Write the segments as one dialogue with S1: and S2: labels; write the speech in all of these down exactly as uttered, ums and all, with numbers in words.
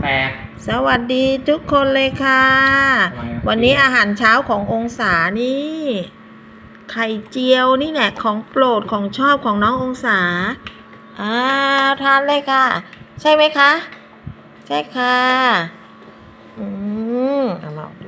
S1: แปด
S2: สวัสดีทุกคนเลยค่ะ วันนี้อาหารเช้าขององศานี่ไข่เจียวนี่แหละของโปรดของชอบของน้ององศาอ่าทานเลยค่ะ ใช่ไหมคะ ใช่ค่ะอืมเอามาดู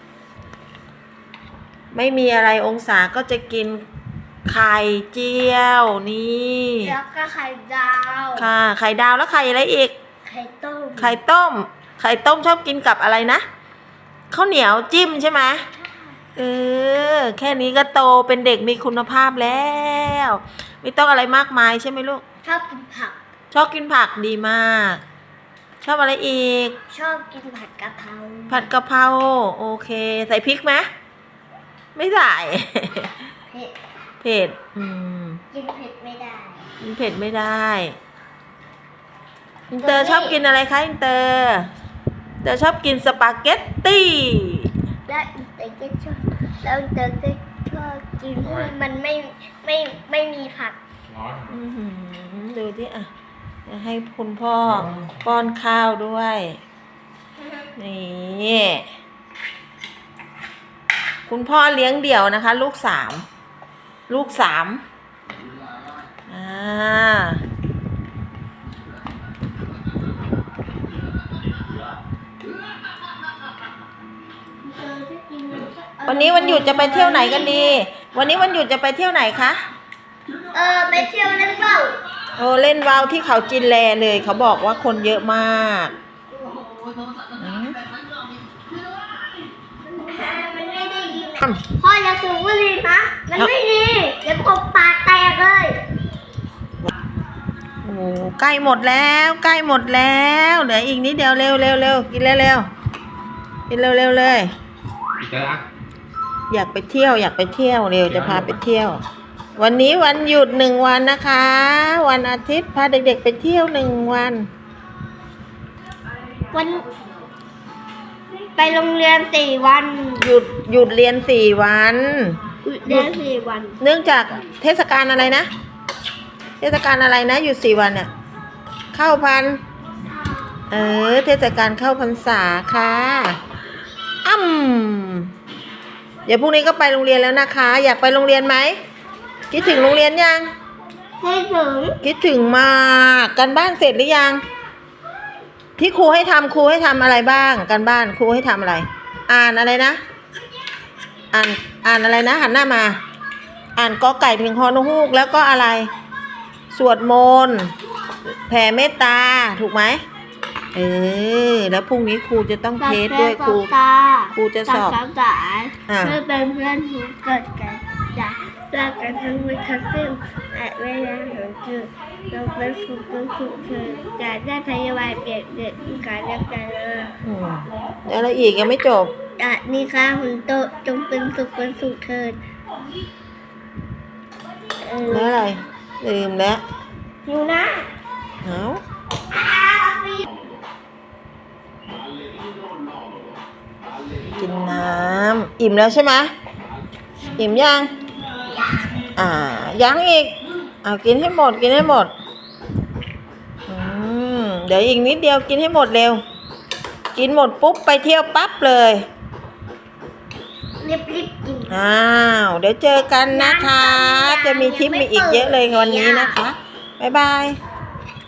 S2: ไม่มีอะไรองศาก็จะกินไข่เจียวนี่
S3: แล้วก็ไข่ดาว
S2: ค่ะไข่ดาวแล้วไข่อะไรอีก
S3: ไข่ต้ม
S2: ไข่ต้มไข่ต้มชอบกินกับอะไรนะข้าวเหนียวจิ้มใช่ไหมเออแค่นี้ก็โตเป็นเด็กมีคุณภาพแล้วไม่ต้องอะไรมากมายใช่ไหมลูก
S3: ชอบกินผัก
S2: ชอบกินผักดีมากชอบอะไรอีก
S3: ชอบกินผัดกะเพรา
S2: ผัดกะเพราโอเคใส่พริกไหมไม่ใส่
S3: เผ็ด
S2: เผ็ดอืม
S3: กินเผ็ดไม่ได้
S2: กินเผ็ดไม่ได้อินเตอร์ชอบกินอะไรคะอินเตอร์อินเตอร์ชอบกินสปาเกตตี้
S3: แล้วอินเตอร์ก็ชอบแล้วอินเตอร์ก็ชอบกินที่มันไม่ไม่ไม่มีผัก
S2: อือหือดูที่อ่ะจะให้คุณพ่อป้อนข้าวด้วยนี่คุณพ่อเลี้ยงเดี่ยวนะคะลูกสามลูกสามอ่าวันนี้วันหยุดจะไปเที่ยวไหนกันดีวันนี้วันหยุดจะไปเที่ยวไหนคะ
S3: เออไปเที่ยวเล่นว่าว
S2: โอ้เล่นว่าวที่เขาจินแลเลยเขาบอกว่าคนเยอะมาก
S3: มันไม่ได้ยินพ่ออย่าสูบบุหรี่นะมันไม่ดีเดี๋ยวตบปากแตกเลย
S2: โอ้ใกล้หมดแล้วใกล้หมดแล้วเหลืออีกนิดเดียวเร็วเร็วเร็วกินเร็วเร็วกินเร็วเร็วเลยอยากไปเที่ยวอยากไปเที่ยวเร็วจะพาไปเที่ยววันนี้วันหยุดหนึ่งวันนะคะวันอาทิตย์พาเด็กๆไปเที่ยวหนึ่งวัน
S3: วันไปโรงเรียนสี่วัน
S2: หยุดหยุดเรียนสี่วัน
S3: หยุดเรียนสี่วัน
S2: เนื่องจากเทศกาลอะไรนะเทศกาลอะไรนะหยุดสี่วันเนี่ยเข้าพันเออเทศกาลเข้าพรรษาค่ะอ้ำเดี๋ยวพรุ่งนี้ก็ไปโรงเรียนแล้วนะคะอยากไปโรงเรียนไหมคิดถึงโรงเรียนยัง
S3: คิดถึง
S2: คิดถึงมากกันบ้านเสร็จหรือยังที่ครูให้ทำครูให้ทำอะไรบ้างกันบ้านครูให้ทำอะไรอ่านอะไรนะอ่านอ่านอะไรนะหันหน้ามาอ่านกอไก่ถึงฮอนฮูกแล้วก็อะไรสวดมนต์แผ่เมตตาถูกไหมเออแล้วพรุ่งนี้ครูจะต้องเทสด้วยครูครูจะสอบ
S3: เพื่อเป็นเพื่อนที่เกิดกันจากจากกันทั้งวันทั้งคืนและเวลาของจุดเราเป็นสุขเป็นสุขเธอจะได้พยาบาลเปลี่ยนเด็กการเรียกกัน
S2: แล้วอะไรอีกยังไม่จบ
S3: จะนี่ค่ะหุ่นโตจงเป็นสุขเป็นสุขเถิด
S2: แล้วอะไรลืมแล้ว
S3: อยู่นะ
S2: เอากินน้ำอิ่มแล้วใช่ไหมอิ่มยังอ่ายังอีกเอากินให้หมดกินให้หมดอืมเดี๋ยวอีกนิดเดียวกินให้หมดเร็วกินหมดปุ๊บไปเที่ยวปั๊บเลย
S3: รีบรีบกิน
S2: อ้าวเดี๋ยวเจอกันนะคะจะมีทริปมีอีกเยอะเลยวันนี้นะคะบ๊ายบาย